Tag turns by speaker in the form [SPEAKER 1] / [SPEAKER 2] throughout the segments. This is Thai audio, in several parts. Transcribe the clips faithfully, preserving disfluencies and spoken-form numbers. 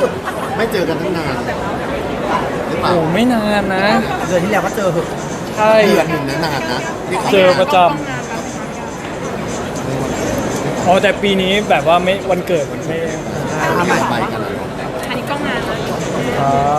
[SPEAKER 1] ไม่เจอกันตั้งนานหรือเปล่า
[SPEAKER 2] โอ้ไม่นานนะ
[SPEAKER 3] เดือนที่แล้วก็เจอเหอะ
[SPEAKER 2] ใช่
[SPEAKER 1] เดือนหนึ่งนะนานนะที่ขา
[SPEAKER 2] เจอประจำอ๋อแต่ปีนี้แบบว่าไม่วันเกิดไม่
[SPEAKER 3] ทำใหม่
[SPEAKER 1] ไปกันเลย
[SPEAKER 4] อันนี้กล้องงานนะครับ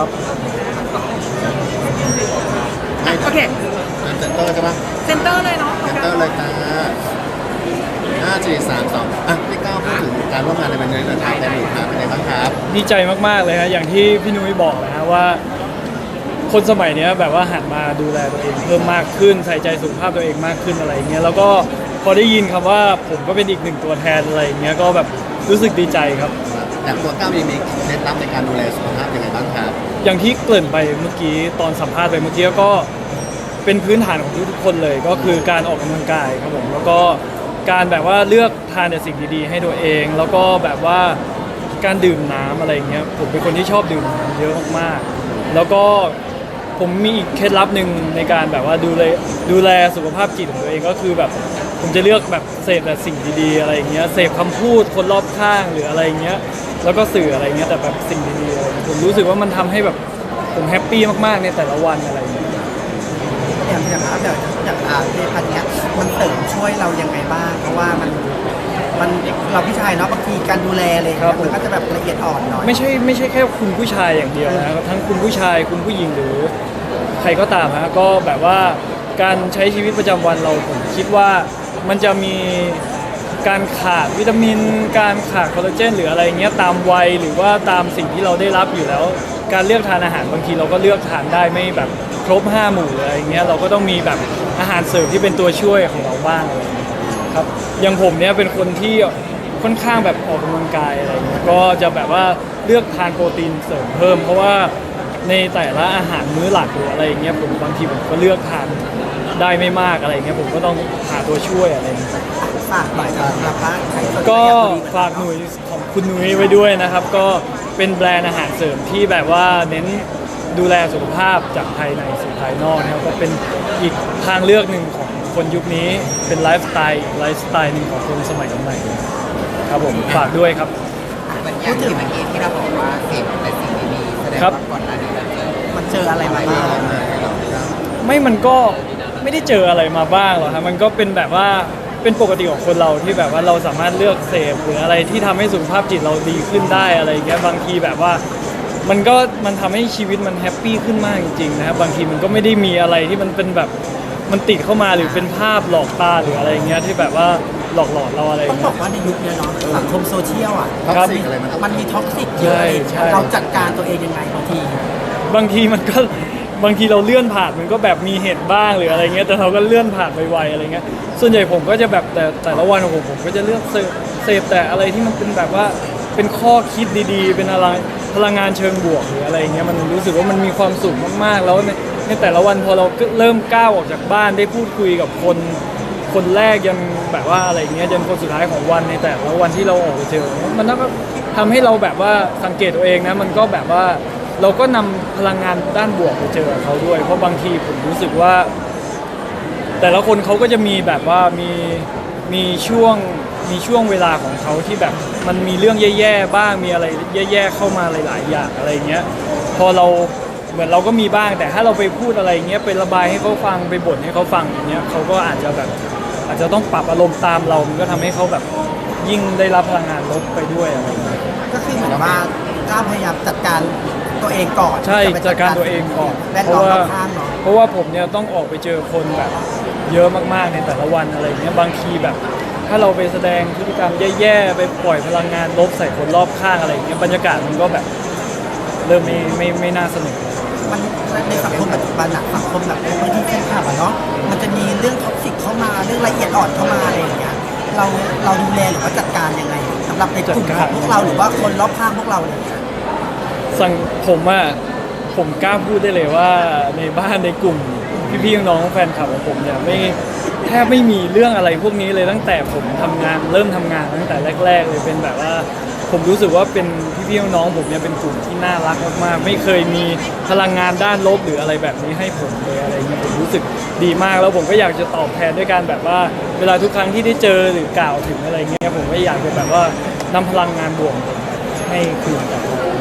[SPEAKER 1] ไม่
[SPEAKER 4] โอเค
[SPEAKER 1] เซ็นเตอร์ใช่ปะ
[SPEAKER 4] เซนเตอร์เลยเนาะ
[SPEAKER 1] เซ็นเตอร์เลยจ้าห้าสี่สามสองอ่ะพี่ก้าวพูดถึงการร่วมงานในวันนี้หนะครับแต่หนูครับเป็นไงบ้างครับ
[SPEAKER 2] ดีใจมากๆเลยฮะอย่างที่พี่นุ้ยบอกนะฮะว่า คนสมัยเนี้ยแบบว่าหันมาดูแลตัวเองเพิ่มมากขึ้นใส่ใจสุขภาพตัวเองมากขึ้นอะไรอย่างเงี้ยแล้วก็พอได้ยินคำว่าผมก็เป็นอีกหนึ่งตัวแทนอะไรอย่างเงี้ยก็แบบรู้สึกดีใจครับ
[SPEAKER 1] อย่างตัวก้าวมีมีเคล็ดลับในการดูแลสุขภาพยังไงบ้างครับ
[SPEAKER 2] อย่างที่เกริ่นไปเมื่อกี้ตอนสัมภาษณ์ไปเมื่อกี้ก็เป็นพื้นฐานของทุกๆคนเลย ก็คือการออกกำลังกายครับผมแล้วก็การแบบว่าเลือกทานแต่สิ่งดีๆให้ตัวเอง แล้วก็แบบว่าการดื่มน้ำอะไรอย่างเงี้ยผมเป็นคนที่ชอบดื่มน้ำเยอะมากๆแล้วก็ผมมีอีกเคล็ดลับหนึ่งในการแบบว่าดูแลดูแลสุขภาพจิตของตัวเองก็คือแบบผมจะเลือกแบบเสพแต่สิ่งดีๆอะไรอย่างเงี้ยเสพคำพูดคนรอบข้างหรืออะไรอย่างเงี้ยแล้วก็สื่ออะไรเงี้ยแต่แบบสิ่งดีๆอะไรเงี้ยผมรู้สึกว่ามันทำให้แบบผมแฮปปี้มากๆในแต่ละวันอะไรอย่างเงี้ย
[SPEAKER 3] อย่างอย่างอาอย่างอย่างอาเพศพันธุ์เนี้ยมันเสริมช่วยเรายังไงบ้างเพราะว่ามันมันเราผู้ชายเนาะบางทีการดูแลอะไรอย่าง
[SPEAKER 2] ครั
[SPEAKER 3] เงี้
[SPEAKER 2] บ
[SPEAKER 3] ยมันก็จะแบบละเอียดอ่อนหน่อย
[SPEAKER 2] ไม่ใช่ไม่ใช่แค่คุณผู้ชายอย่างเดียวนะครับทั้งคุณผู้ชายคุณผู้หญิงหรือใครก็ตามฮะก็แบบว่าการใช้ชีวิตประจำวันเราผมคิดว่ามันจะมีการขาดวิตามิน การขาดคอลลาเจนหรืออะไรเงี้ยตามวัยหรือว่าตามสิ่งที่เราได้รับอยู่แล้ว การเลือกทานอาหารบางทีเราก็เลือกทานได้ไม่แบบครบห้าหมู่เลยอะไรเงี้ยเราก็ต้องมีแบบอาหารเสริมที่เป็นตัวช่วยของเราบ้างอะไรเงี้ยครับอย่างผมเนี่ยเป็นคนที่ค่อนข้างแบบออกกำลังกายอะไรเงี้ยก็จะแบบว่าเลือกทานโปรตีนเสริมเพิ่มเพราะว่าในแต่ละอาหารมื้อหลักหรืออะไรเงี้ยผมบางทีผมก็เลือกทานได้ไม่มากอะไรเงี้ยผมก็ต้องหาตัวช่วยอะไรเงี้ย
[SPEAKER 3] ฝากหน่อยครับสำหรับว่าใครสนใจ
[SPEAKER 2] ก็
[SPEAKER 3] อยากดู
[SPEAKER 2] ฝากหนุ่ยของคุณหนุ่ยไว้ด้วยนะครับ ก็เป็นแบรนด์อาหารเสริมที่แบบว่าเน้นดูแลสุขภาพจากภายในสู่ภายนอกนะครับก็เป็นอีกทางเลือกหนึ่งของคนยุคนี้เป็นไลฟ์สไตล์ไลฟ์สไตล์หนึ่งของคนสมัยใหม่ครับผมฝากด้วยครับ
[SPEAKER 5] เหมือนอย่างที่เมื่อกี้ที่เราบอกว่าเสพแต่สิ่งดีๆแสดง
[SPEAKER 2] ครับ
[SPEAKER 5] ว่าก่อนหน้านี้เราเจอ
[SPEAKER 3] มันเจออะไรมาบ้าง
[SPEAKER 2] ไม่มันก็ไม่ได้เจออะไรมาบ้างหรอกครับมันก็เป็นแบบว่าเป็นปกติของคนเราที่แบบว่าเราสามารถเลือกเสพหรืออะไรที่ทำให้สุขภาพจิตเราดีขึ้นได้อะไรอย่างเงี้ยบางทีแบบว่ามันก็มันทำให้ชีวิตมันแฮปปี้ขึ้นมากจริงๆนะครับบางทีมันก็ไม่ได้มีอะไรที่มันเป็นแบบมันติดเข้ามาหรือเป็นภาพหลอกตาหรืออะไรอย่างเงี้ยที่แบบว่าหลอกหลอนเราอะไรอย่า
[SPEAKER 3] ต้อง
[SPEAKER 2] ง
[SPEAKER 3] บ
[SPEAKER 2] เงี้
[SPEAKER 3] อย กว่าในยุคเนี้ยเนาะสังคมโซเชียลอ่ะ
[SPEAKER 1] ท็อกซิกอะไรมัน
[SPEAKER 3] มันมีท็อกซิกเยอะ
[SPEAKER 2] ใช่ใช่
[SPEAKER 3] เราจัดการตัวเองยังไงบางที
[SPEAKER 2] บางทีมันก็บางทีเราเลื่อนผ่านมันก็แบบมีเหตุบ้างหรืออะไรเงี้ยแต่เราก็เลื่อนผ่านไวๆอะไรเงี้ยส่วนใหญ่ผมก็จะแบบแต่แต่ละวันของผมผมก็จะเลือกเสพเสพแต่อะไรที่มันเป็นแบบว่าเป็นข้อคิดดีๆ เป็นอะไรพลังงานเชิงบวกหรืออะไรเงี้ยมันรู้สึกว่ามันมีความสุขมากๆแล้วในในแต่ละวันพอเราเริ่มก้าวออกจากบ้านได้พูดคุยกับคนคนแรกยันแบบว่าอะไรเงี้ยยันคนสุดท้ายของวันในแต่ละวันที่เราออกไปเจอมันก็ทำให้เราแบบว่าสังเกตตัวเองนะมันก็แบบว่าเราก็นำพลังงานด้านบวกไปเจอเขาด้วย เพราะบางทีผมรู้สึกว่า แต่ละคนเขาก็จะมีแบบว่ามีมีช่วงมีช่วงเวลาของเขาที่แบบมันมีเรื่องแย่ๆบ้างมีอะไรแย่ๆเข้ามาหลายๆอย่างอะไรเงี้ยพอเราเหมือนเราก็มีบ้าง แต่ถ้าเราไปพูดอะไรเงี้ยไประบายให้เขาฟังไปบ่นให้เขาฟังอย่างเงี้ยเขาก็อาจจะแบบอาจจะต้องปรับอารมณ์ตามเรามันก็ทำให้เขาแบบยิ่งได้รับพลังงานลบไปด้วยอะไรเงี้ย
[SPEAKER 3] ก็คือเหมือนว่าก้าวพยายามจัดการตัวเองก่อน
[SPEAKER 2] ใช่
[SPEAKER 3] จะไป
[SPEAKER 2] จัดการตัวเองก่อน
[SPEAKER 3] แวด
[SPEAKER 2] เพ
[SPEAKER 3] ล้อ
[SPEAKER 2] ราะ
[SPEAKER 3] ม
[SPEAKER 2] ว่าร
[SPEAKER 3] อบข้างเนาะ
[SPEAKER 2] เพราะว่าผมเนี่ยต้องออกไปเจอคนแบบเยอะมากๆในแต่ละวันอะไรเงี้ยบางทีแบบ ถ้าเราไปแสดงพฤติกรรมแย่ๆไปปล่อยพลังงานลบใส่คนรอบข้างอะไรเงี้ยบรรยากาศมันก็แบบเริ่มไม่ไม่ไม่น่าสนุก
[SPEAKER 3] มันในสังคมปัจจุบันอะสังคมแบบพื้นที่แคบๆอะเนาะมันจะมีเรื่องท็อกซิกเข้ามาเรื่องละเอียดอ่อนเข้ามาอะไรอย่างเงี้ยเราเราดูแลหรือว่าจัดการยังไงสำหรับในกลุ่มของพวกเราหรือว่าคนรอบข้างพวกเราเนี่ย
[SPEAKER 2] สั่งผมอะผมกล้าพูดได้เลยว่าในบ้านในกลุ่มพี่ๆน้องๆแฟนคลับของผมเนี่ยไม่แทบไม่มีเรื่องอะไรพวกนี้เลยตั้งแต่ผมทำงานเริ่มทำงานตั้งแต่แรกๆเลยเป็นแบบว่าผมรู้สึกว่าเป็นพี่ๆน้องๆผมเนี่ยเป็นกลุ่มที่น่ารักมากๆไม่เคยมีพลังงานด้านลบหรืออะไรแบบนี้ให้ผมเลยอะไรเงี้ยผมรู้สึกดีมากแล้วผมก็อยากจะตอบแทนด้วยการแบบว่าเวลาทุกครั้งที่ได้เจอหรือกล่าวถึงอะไรเงี้ยผมก็อยากจะแบบว่านำพลังงานบวกให้คืนกลับมา
[SPEAKER 3] ก็คือ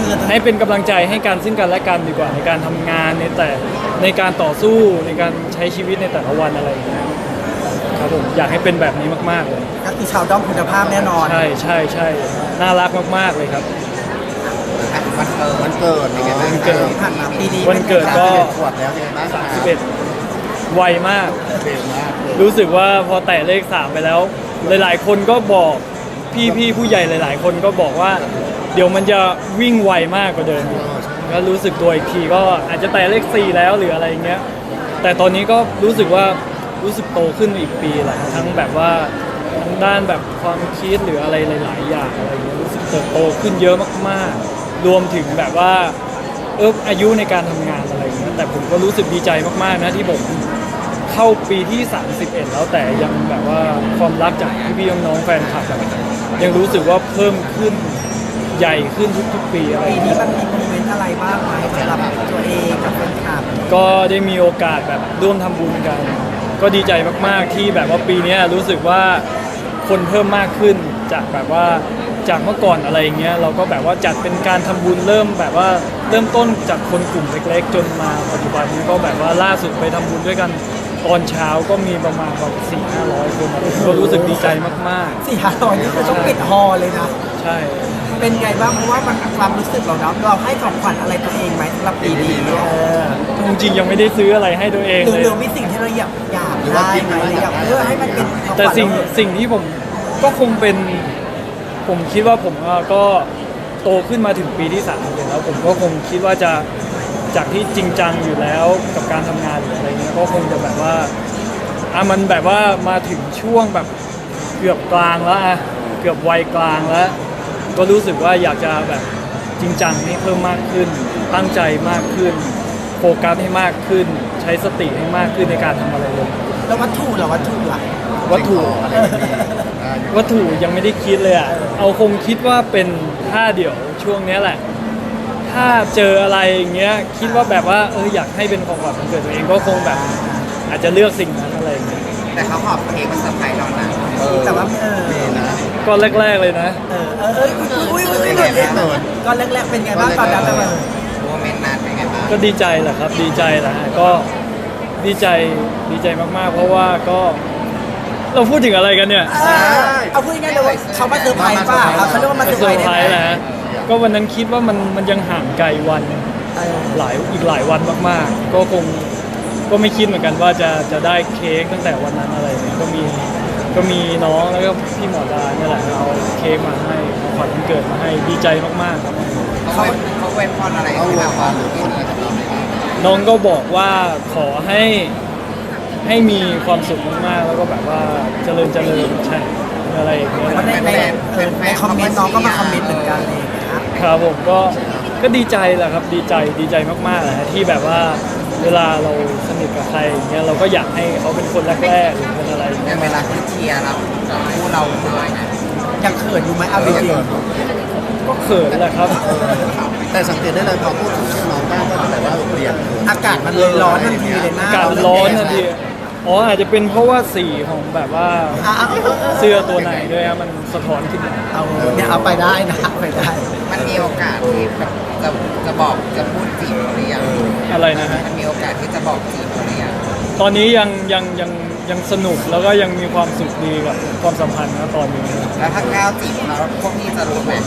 [SPEAKER 3] คือ
[SPEAKER 2] ให้เป็นกำลังใจให้กันซึ่งกันและกันดีกว่าในการทำงานในแต่ในการต่อสู้ในการใช้ชีวิตในแต่ละวันอะไรอย่างเงี้ยครับผมอยากให้เป็นแบบนี้มากๆเลย
[SPEAKER 3] ก็คือชาวด้อมคุณภาพแน่นอน
[SPEAKER 2] ใช่ใช่ใช่น่ารักมากๆเลยครับ
[SPEAKER 5] วันเกิด
[SPEAKER 1] วันเกิดเนาะ
[SPEAKER 2] วันเกิด
[SPEAKER 3] ผ่านมาปีนี้
[SPEAKER 2] วันเกิดก็
[SPEAKER 1] ขวบแล้วเป็นไงบ้างครับ
[SPEAKER 2] สิบเอ็ดไวมาก
[SPEAKER 1] เร็วมากเลย
[SPEAKER 2] รู้สึกว่าพอแตะเลขสามไปแล้ว หลายๆ คนก็บอกพี่พี่ผู้ใหญ่หลาย ๆ คนก็บอกว่า เดี๋ยวมันจะวิ่งไวมากกว่าเดิมอีกก็รู้สึกตัวอีกทีก็อาจจะแตะเลขสี่แล้วหรืออะไรอย่างเงี้ย แต่ตอนนี้ก็รู้สึกว่ารู้สึกโตขึ้นอีกปีแหละทั้งแบบว่าทั้งด้านแบบความคิดหรืออะไรหลาย ๆ อย่างอะไรอย่างเงี้ยรู้สึกเติบโตขึ้นเยอะมากๆ รวมถึงแบบว่าเอออายุในการทำงานอะไรอย่างเงี้ยแต่ผมก็รู้สึกดีใจมากๆนะที่ผมเข้าปีที่สามสิบเอ็ดแล้วแต่ยังแบบว่าความรักจากพี่ๆน้องๆแฟนคลับแบบยังรู้สึกว่าเพิ่มขึ้นใหญ่ขึ้นทุกๆ ปีอะไรอ
[SPEAKER 3] ปี
[SPEAKER 2] ย่าง
[SPEAKER 3] นี้
[SPEAKER 2] เงี้ย
[SPEAKER 3] มันมีโมเมนต์อะไรบ้างไหมสำหรับตัวเองกับแฟนคลับ
[SPEAKER 2] ก็ได้มีโอกาสแบบร่วมทำบุญกัน ก็ดีใจมากๆที่แบบว่าปีนี้รู้สึกว่าคนเพิ่มมากขึ้นจากแบบว่าจากเมื่อก่อนอะไรอย่างเงี้ยเราก็แบบว่าจัดเป็นการทำบุญเริ่มแบบว่าเริ่มต้นจากคนกลุ่มเล็กๆ จนมาปัจจุบันนี้ก็แบบว่าล่าสุดไปทำบุญด้วยกันตอนเช้าก็มีประมาณแบบสี่ห้าร้อยคนก็รู้สึกดีใจมาก
[SPEAKER 3] สี่ห้าตอนนี้คือต้องปิดฮอลเลยนะ
[SPEAKER 2] ๆ ใช่
[SPEAKER 3] เป็นไงบ้างเพราะว่ามันความรู้สึกเราเนาะเราให้ของขวัญอะไรตัวเองไหมสำหรับปีนี้เออ
[SPEAKER 2] จริงๆยังไม่ได้ซื้ออะไรให้ตัวเอง
[SPEAKER 3] หรือ
[SPEAKER 2] เลย
[SPEAKER 3] หรือมีสิ่งที่เราอยากอยากได้ไหมอยากเออให้มันเป็นของขวัญ
[SPEAKER 2] แต่สิ่งสิ่งที่ผมก็คงเป็นผมคิดว่าผมอ่ะก็โตขึ้นมาถึงปีที่สามแล้วผมก็คงคิดว่าจะจากที่จริงจังอยู่แล้วกับการทำงานหรืออะไรเงี้ยก็คงจะแบบว่าอ่ะมันแบบว่ามาถึงช่วงแบบเกือบกลางแล้วอ่ะเกือบวัยกลางแล้ว ก็รู้สึกว่าอยากจะแบบจริงจังให้เพิ่มมากขึ้น ตั้งใจมากขึ้น โฟกัสให้มากขึ้น ใช้สติให้มากขึ้นในการทำอะไรเลย
[SPEAKER 3] แล้ววัตถุเหรอวัตถุล่ะ
[SPEAKER 2] วัตถุ
[SPEAKER 1] อะไรแบบนี้ได้
[SPEAKER 2] วัตถุยังไม่ได้คิดเลยอ่ะ เอาคงคิดว่าเป็นถ้าเดี๋ยวช่วงเนี้ยแหละ ถ้าเจออะไรอย่างเงี้ย คิดว่าแบบว่าเอออยากให้เป็นของขวัญวันเกิดตัวเองก็คงแบบ อาจจะเลือกสิ่งนั้นอะไรอย่างเงี้ย
[SPEAKER 5] แต่เขาหอบเค้กมาเซอร์ไพรส์เรานะ
[SPEAKER 1] เออ
[SPEAKER 3] แต่ว่าเออ
[SPEAKER 1] มีนะ
[SPEAKER 2] ก็แรกๆเลยนะ
[SPEAKER 3] เออเออเอออุ้ยอุ้ยอุ้ยอุ้ยอุ้ยก็แรกๆเป็นไงบ้างตอนนั้นเป็นไง
[SPEAKER 5] โมเมนต์นั้นเป็นไงบ้าง
[SPEAKER 2] ก็ดีใจแหละครับ ดีใจแหละก็ดีใจดีใจมากๆ เพราะว่าก็เราพูดถึงอะไรกันเนี่ย
[SPEAKER 3] เออเอาพูดง่ายๆเลยว่าเขามาเซอร์ไพรส์ป่ะเอาเขาเรียกว่ามาเซอร์
[SPEAKER 2] เซ
[SPEAKER 3] ไพ
[SPEAKER 2] อ
[SPEAKER 3] รส์
[SPEAKER 2] ร์ไพร
[SPEAKER 3] ได้
[SPEAKER 2] ส์
[SPEAKER 3] ไหม
[SPEAKER 2] นะ ก็วันนั้นคิดว่ามันมันยังห่างไกลวัน
[SPEAKER 3] เออ
[SPEAKER 2] หลายอีกหลายวันมากๆ ก็คงก็ไม่คิดเหมือนกันว่าจะจะได้เค้กตั้งแต่วันนั้นอะไรเนี่ยก็มีก็มีน้องแล้วก็พี่หมอดาเนี่ยแหละเอาเค้กมาให้ของขวัญวันเกิดมาให้ดีใจมากๆครับ
[SPEAKER 5] เขาเขาเว้นพรอะไร
[SPEAKER 1] เอา
[SPEAKER 5] ให้
[SPEAKER 1] เว
[SPEAKER 5] เรา
[SPEAKER 1] ลา
[SPEAKER 5] บ้าง
[SPEAKER 1] หรือพูดอะไรกับเราไหมครับ
[SPEAKER 2] น้องก็บอกว่าขอให้ให้มีความสุขมากๆ แล้วก็แบบว่าเจริญเจริญใช่อะไรอย่างเงี้ย
[SPEAKER 3] เพราะในในเออในคอมเมนต์น้องก็มาคอมเมนต์เหมือนกันเลยนะครับ
[SPEAKER 2] ผมก็ก็ดีใจแหละครับดีใจดีใจมากๆแหละที่แบบว่าเวลาเราสนิทกับใครอย่างเงี้ยเราก็อยากให้เขาเป็นคนแรกๆหรือเป็นอะไรอย่าง
[SPEAKER 5] ใน
[SPEAKER 2] เงี้ย
[SPEAKER 5] เวลาที่เชียร์เราคู่เราเลยนะ
[SPEAKER 3] ยังเขินอยู่ไหมเอาจริง
[SPEAKER 2] ก็เขินแหละครับ
[SPEAKER 1] แต่สังเกตได้เลยพอพูดถึงชื่อน้องได้ก็แบบว่าเปลี่ยน
[SPEAKER 3] ๆอากาศมันเลยร้อนทันทีเลยนะ
[SPEAKER 2] อากาศร้อนทันทีอ๋ออาจจะเป็นเพราะว่าสีของแบบว่า
[SPEAKER 3] อ่ะเอาเอาเอา
[SPEAKER 2] เสื้อตัวไหนด้วยครับมันสะท้อนขึ้นมา
[SPEAKER 3] เอาเนี่ยเอาไปได้นะเอาไปได้
[SPEAKER 5] มันมีโอกาสที่แบบจะจะบอกจะพูดจีบเขาหรือยัง
[SPEAKER 2] อะไรนะฮะ
[SPEAKER 5] มันมีโอกาสที่จะบอกจีบเขาหรือยัง
[SPEAKER 2] ตอนนี้ยังยังยังยังสนุกแล้วก็ยังมีความสุขดีกับความสัมพันธ์นะตอนนี้
[SPEAKER 5] แล้วถ้าก้าวจีบเราพวกพี่จะรู้ไหม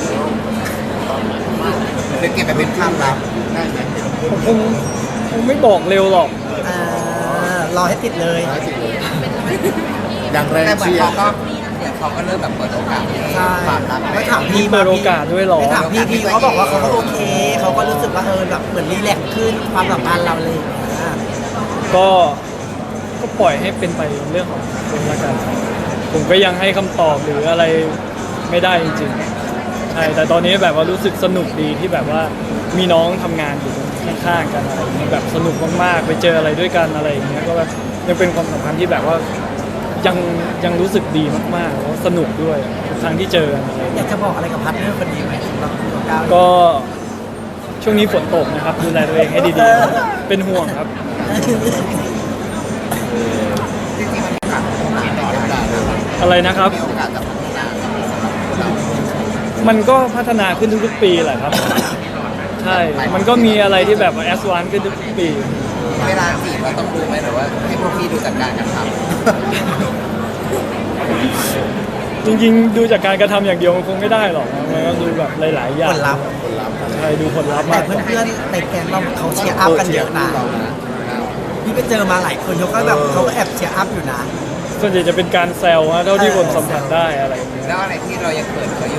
[SPEAKER 5] หรือเก็บไปเป็นความลับ
[SPEAKER 1] ได้ไหม
[SPEAKER 2] ผมคงคงไม่บอกเร็วหรอก
[SPEAKER 3] เออรอให้ติดเลย
[SPEAKER 1] ได้จริงเลยอย่างแรง
[SPEAKER 5] แต่เหมือน
[SPEAKER 1] เชีย
[SPEAKER 5] เขา
[SPEAKER 1] ร์
[SPEAKER 5] ก็เดี๋ยวเขาก็เริ่มแบบเปิดโอกาสให้
[SPEAKER 3] ใช่
[SPEAKER 5] ความรัก
[SPEAKER 3] ไม่ถาม
[SPEAKER 2] มี
[SPEAKER 3] พี่
[SPEAKER 2] เปิดโอกาสด้วยเหรอ
[SPEAKER 3] ไม่ถามพี่พี่เขาบอกว่าเขาก็โอเคเขาก็รู้สึกว่าเออแบบเหมือนรีแลกซ์ขึ้นความสัมพันธ์เราเลยอ่ะ
[SPEAKER 2] ก็ก็ปล่อยให้เป็นไปเรื่องของคนละกันครับผมก็ยังให้คำตอบหรืออะไรไม่ได้จริงๆใช่แต่ตอนนี้แบบว่ารู้สึกสนุกดีที่แบบว่ามีน้องทำงานอยู่ข้างๆกันอะไรอย่างเงี้ยแบบสนุกมากๆไปเจออะไรด้วยกันอะไรอย่างเงี้ยก็แบบยังเป็นความสัมพันธ์ที่แบบว่ายังยังรู้สึกดีมากๆแล้วสนุกด้วยทุกครั้งที่เจอกันอะไรอย่าง
[SPEAKER 3] อ
[SPEAKER 2] เงี้ย
[SPEAKER 3] ยากจะบอกอะไรกับพาร์ทเนอร์คนนี้ไหมสำหรับคุณก้าว
[SPEAKER 2] ก็ช่วงนี้ฝนตกนะครับดูแลตัวเองให้ดีๆเป็นห่วงครับ
[SPEAKER 5] จริงๆมันมีโอกาสพัฒนาต่อได้นะ
[SPEAKER 2] อะไรนะครับ
[SPEAKER 5] มีโอกาสจะพัฒนา
[SPEAKER 2] มันก็พัฒนาขึ้นทุกๆปีแหละครับใช่ มันก็มีอะไรที่แบบแอสวานขึ้นทุกปี
[SPEAKER 5] เวลาจีบเราต้องดูไหมหรือว่าให้พวกพี่ดูจากการกระท
[SPEAKER 2] จริงๆ ดูจากการกระทำอย่างเดียวมันคงไม่ได้หรอกมันก็ดูแบบหลายๆอย่า
[SPEAKER 3] ผ
[SPEAKER 2] ง
[SPEAKER 3] ลลัพธ์
[SPEAKER 1] คนรับ
[SPEAKER 2] ใช่ดูผลลัพธ์
[SPEAKER 3] แต่
[SPEAKER 2] มากกว่า
[SPEAKER 3] เพื่อนๆในแก๊งเราเขาเชียร์อัพกันเยอะนะ
[SPEAKER 1] เรานะ
[SPEAKER 3] พี่ไปเจอมาหลายคนเขาก็แบบเขาก็แอบเชียร์อัพอยู่นะ
[SPEAKER 2] ส่วนใหญ่จะเป็นการแซวฮะเท่าที่ผมสัมผัสได้อะไรอย่างเงี้ย
[SPEAKER 5] ำแล้วอะไรที่เรายังเขินเขาอยู่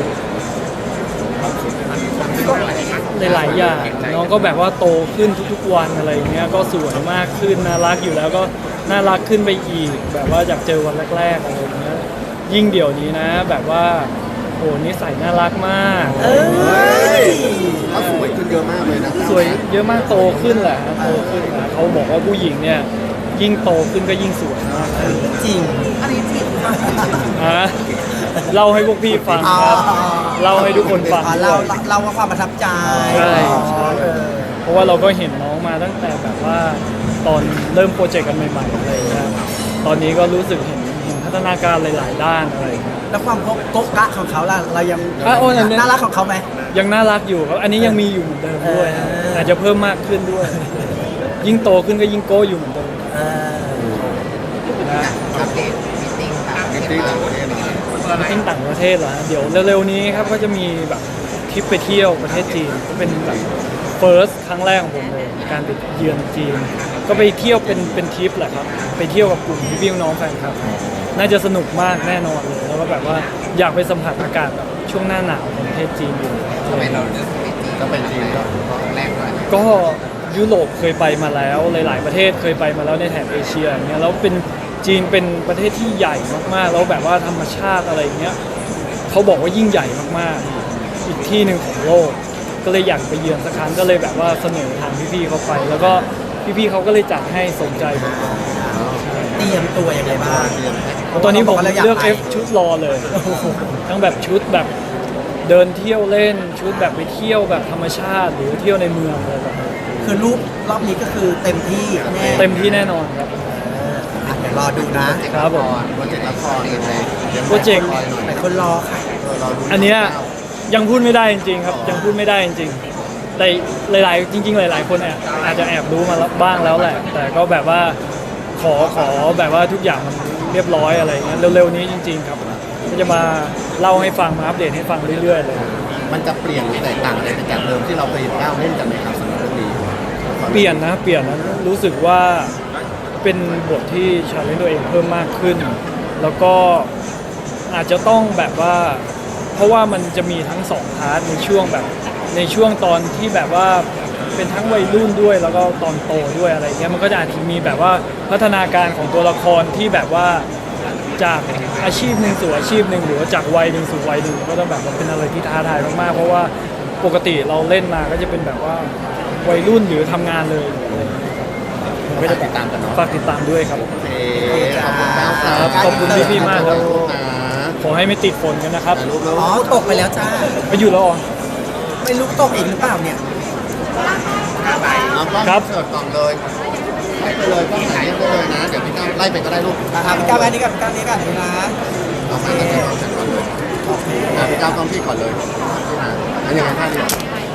[SPEAKER 2] หลายๆอย่างน้องก็แบบว่าโตขึ้นทุกๆวันอะไรอย่างเงี้ยก็สวยมากขึ้นน่ารักอยู่แล้วก็น่ารักขึ้นไปอีก แบบว่าจากเจอวันแรกๆอะไรอย่างเงี้ยยิ่งเดี๋ยวนี้นะ แบบว่าโอ้นิสัยน่ารักมาก
[SPEAKER 3] เอ้ย
[SPEAKER 1] เขาสวยขึ้นเยอะมากเลยนะ
[SPEAKER 2] สวยเยอะมากโตขึ้นแหละโตขึ้นนะเขาบอกว่าผู้หญิงเนี่ยยิ่งโตขึ้นก็ยิ่งสวยมากขึ้น
[SPEAKER 3] จริง
[SPEAKER 5] อันนี้จีบ
[SPEAKER 2] ฮะเล่าให้พวกพี่ฟังครับเล่าให้ทุกคนฟัง
[SPEAKER 3] อ่า
[SPEAKER 2] ด้
[SPEAKER 3] เรา
[SPEAKER 2] วย
[SPEAKER 3] เราว่าความประทับใจ
[SPEAKER 2] ใช่ใช่
[SPEAKER 3] เออ
[SPEAKER 2] เพราะว่าเราก็เห็นน้องมาตั้งแต่แบบว่าตอนเริ่มโปรเจกต์กันใหม่ๆอะไรอย่างเงี้ยตอนนี้ก็รู้สึกเห็นเห็นพัฒนาการหลาย ๆ ด้านอะไรอย่างเงี้ย
[SPEAKER 3] แล้วความโก๊กกะของเขาล่ะเรายัง
[SPEAKER 2] อ่ะโอ้ยอันนี้
[SPEAKER 3] น่ารักของเขาไหม
[SPEAKER 2] ยังน่ารักอยู่ครับอันนี้ยังมีอยู่เหมือนเดิมด้วยฮะ
[SPEAKER 3] เอออ
[SPEAKER 2] อาจจะเพิ่มมากขึ้นด้วย ยิ่งโตขึ้นก็ยิ่งโก้อยู่เหมือนเดิม
[SPEAKER 3] เออ
[SPEAKER 2] นะ
[SPEAKER 5] อัปเดตมิทติ้งต่างประเท
[SPEAKER 1] มิ
[SPEAKER 5] ศ
[SPEAKER 1] ตติ้ง
[SPEAKER 5] บ้าง
[SPEAKER 1] ต่างประเทศหน่อย
[SPEAKER 2] ทิ้งต่างประเทศเหรอฮะเดี๋ยวเร็วๆนี้ครับก็จะมีแบบทริปไปเที่ยวประเทศจีนก็เป็นแบบ first ครั้งแรกของผมเลยการไปเยือนจีน ก็ไปเที่ยวเป็นเป็นทริปแหละครับไปเที่ยวกับกลุ่มพี่ๆน้องๆแฟนคลับน่าจะสนุกมากแน่นอนเลยแล้วก็แบบว่าอยากไปสัมผัสอากาศแบบช่วงหน้าหนาวของประเทศจีนอยู่
[SPEAKER 5] ทำไมเราเลือกไปจีน
[SPEAKER 1] ก็เป็นจีนก็
[SPEAKER 5] ครั้งแรกด้วย
[SPEAKER 2] ก็ยุโรปเคยไปมาแล้วหลาย ๆ ประเทศเคยไปมาแล้วในแถบเอเชียอย่างเงี้ยแล้วเป็นจีนเป็นประเทศที่ใหญ่มากๆแล้วแบบว่าธรรมชาติอะไรอย่างเงี้ยเขาบอกว่ายิ่งใหญ่มากๆอีกที่หนึ่งของโลก ก็เลยอยากไปเยือนสักครั้งก็เลยแบบว่าเสนอทางพี่ๆเขาไป แล้วก็พี่ๆเขาก็เลยจัดให้สนใจผม
[SPEAKER 3] เตรียมตัวยังไงบ้าง
[SPEAKER 2] ตอนนี้ผม
[SPEAKER 3] ราาก
[SPEAKER 2] เลือก
[SPEAKER 3] ไป
[SPEAKER 2] เอฟชุดรอเลย ทั้งแบบชุดแบบเดินเที่ยวเล่นชุดแบบไปเที่ยวแบบธรรมชาติ หรือเที่ยวในเมืองอะไรแบบนี้
[SPEAKER 3] คือรูปรอบนี้ก็คือเต็มที่แน่
[SPEAKER 2] เต็มที่แน่นอนครับ
[SPEAKER 3] อ่ะเดี๋ยวรอดูนะ
[SPEAKER 2] ครับผม
[SPEAKER 1] โปรเจกต์ละครเลย
[SPEAKER 2] โปรเจกต์
[SPEAKER 3] หลายคนรอค่ะ
[SPEAKER 2] อันเนี้ยยังพูดไม่ได้จริงๆครับยังพูดไม่ได้จริงๆแต่หลายๆ จริง ๆ หลาย ๆ คนแอบอาจจะแอบรู้มาแล้วบ้างแล้วแหละ แต่ก็แบบว่าขอขอแบบว่าทุกอย่างมันเรียบร้อยอะไรเงี้ยเร็วๆนี้จริง ๆ ครับก็จะมาเล่าให้ฟังมาอัปเดตให้ฟังเรื่อยๆเลย
[SPEAKER 1] มันจะเปลี่ยนหรือแตกต่างอะไรไปจากเดิมที่เราเคยก้าวเล่นกันไหมครับสำหรับเรื่องนี้
[SPEAKER 2] เปลี่ยนนะเปลี่ยนนะรู้สึกว่าเป็นบทที่ชาเลนจ์ตัวเองเพิ่มมากขึ้น แล้วก็อาจจะต้องแบบว่า เพราะว่ามันจะมีทั้งสองพาร์ทในช่วงแบบในช่วงตอนที่แบบว่าเป็นทั้งวัยรุ่นด้วยแล้วก็ตอนโตด้วยอะไรเงี้ยมันก็จะอาจจะมีแบบว่าพัฒนาการของตัวละครที่แบบว่าจากอาชีพหนึ่งสู่อาชีพหนึ่งหรือว่าจากวัยหนึ่งสู่วัยหนึ่งก็ต้องแบบว่าเป็นอะไรที่ท้าทายมากๆเพราะว่าปกติเราเล่นมาก็จะเป็นแบบว่าวัยรุ่นหรือทำงานเลยอะไรอย่างเงี้ยครับผมก็จะ
[SPEAKER 1] ติดตามกันเนาะ
[SPEAKER 2] ฝากติดตามด้วยครับ
[SPEAKER 1] โอเคขอบคุณก้าวครั
[SPEAKER 2] ครับ บขอบคุณพี่ๆมากครับ
[SPEAKER 1] ขอณนะ
[SPEAKER 2] ขอให้ไม่ติดฝนกันนะครับ
[SPEAKER 1] ถ่ายรูปแล้ว
[SPEAKER 3] อ๋อตกไปแล้วจ้า
[SPEAKER 2] ไปอยู่แล้วเหรอ
[SPEAKER 3] ไม่รู้ตกอีกหรือเปล่าเนี่ย
[SPEAKER 1] เอากล้อง
[SPEAKER 2] ครับ
[SPEAKER 1] เสิร์ฟกล่องเลยไล่ไปเลยกล้องไหนไปเลยนะ เดี๋ยวพี่ก้าวไล่ไปก็ได้ลูก
[SPEAKER 3] อ่ะอ่ะพี่ก้าวอันนี้กับพี่ก้าวนี้กันนี่นะ
[SPEAKER 1] เอาไปกันก่อนก่อนเลยอ่ะพี่ก้าวกล้องพี่ก่อนเลยพี่นะอันยังไงท่าดี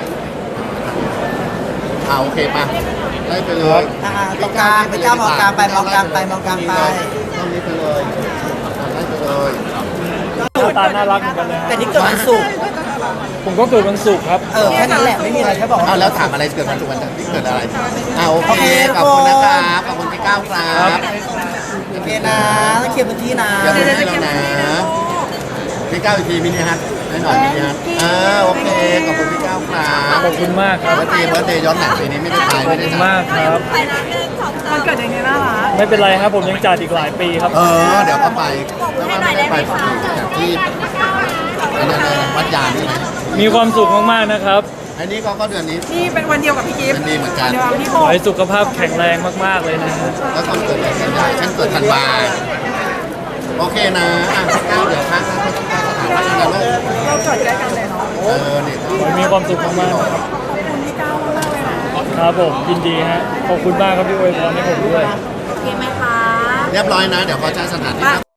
[SPEAKER 1] อ่าโอเคป่ะไล่ไปเลย
[SPEAKER 3] อ่ะอ่ะตรงกลางพี่ก้าวมองกลางไปมองกลางไปมองกลางไป
[SPEAKER 1] กล้องนี้ไปเลยไล่ไปเลย
[SPEAKER 2] หน้าตาน่ารักเหมือนกันเลยฮะ
[SPEAKER 3] แต่นี่เกิดวันศุกร์
[SPEAKER 2] ผมก็เกิดวันศุกร์ครับ
[SPEAKER 3] เออแค่นั้นแหละไม่มีอะไรแค่บอกว่า
[SPEAKER 1] เอาแล้วถามอะไรเกิดวันศุกร์วันจันทร์ที่เกิดอะไรอ่าโอเคขอบคุณนะครับขอบคุณพี่ก้าวครับ
[SPEAKER 3] โอเคนะต้องเคลียร์พื้นที่นะ
[SPEAKER 1] เดี๋ยวให้เรานะพี่ก้าวอีกทีมินิฮัทให้หน่อยมินิฮัทอ่าโอเคขอบคุณพี่ก้าวครับ
[SPEAKER 2] ขอบคุณมากครับ
[SPEAKER 1] เบิร์ดเดย์เบิร์ดเดย์ย้อนหลังปีนี้ไม่ได้ไป
[SPEAKER 2] ขอ
[SPEAKER 1] ไม่
[SPEAKER 2] บ
[SPEAKER 1] ได้
[SPEAKER 2] คุณ
[SPEAKER 1] จัด
[SPEAKER 2] มากครับ
[SPEAKER 4] มันเกิดอย่างนี้น่ารัก
[SPEAKER 2] ไม่เป็นไรครับผมยังจัดอีกหลายปีครับ
[SPEAKER 1] เออเดี๋ยวก็ไปแล้วว่าไม่ได้ไปผมอยู่จากที่อันนั้นนะวัดยางนี่นะ
[SPEAKER 2] มีความสุขมากๆนะครับ
[SPEAKER 1] อันนี้ก็ก็เดือนนี้
[SPEAKER 4] นี่เป็นวันเดียวกับพี่กิฟต์
[SPEAKER 1] มันดีเหมือนกัน
[SPEAKER 4] เดียวกับพี่
[SPEAKER 2] ข
[SPEAKER 4] โบ
[SPEAKER 2] อให้สุขภาพแข็งแรงมากๆเลยนะฮะ
[SPEAKER 1] แล้วคนเกิดเดือนกันยายฉันเกิดธันวาโอเคนะอ่ะก้าวเดี๋ยวพักนะไม่ต้องไปสถานที่นะลูก
[SPEAKER 4] เราเกิดใกล้กันเลยเนาะ
[SPEAKER 1] เออเนี่ย
[SPEAKER 2] ขอให้มีความสุขมากๆนะครับ
[SPEAKER 4] ขอบคุณพี่ก้าวมากเลยนะ
[SPEAKER 2] ครับผมยินดีฮะขอบคุณมากครับที่อวยพรให้ผมด้วย
[SPEAKER 4] โอเคไหมคะ
[SPEAKER 1] เรียบร้อยนะ เดี๋ยวเขาใช้สถานที่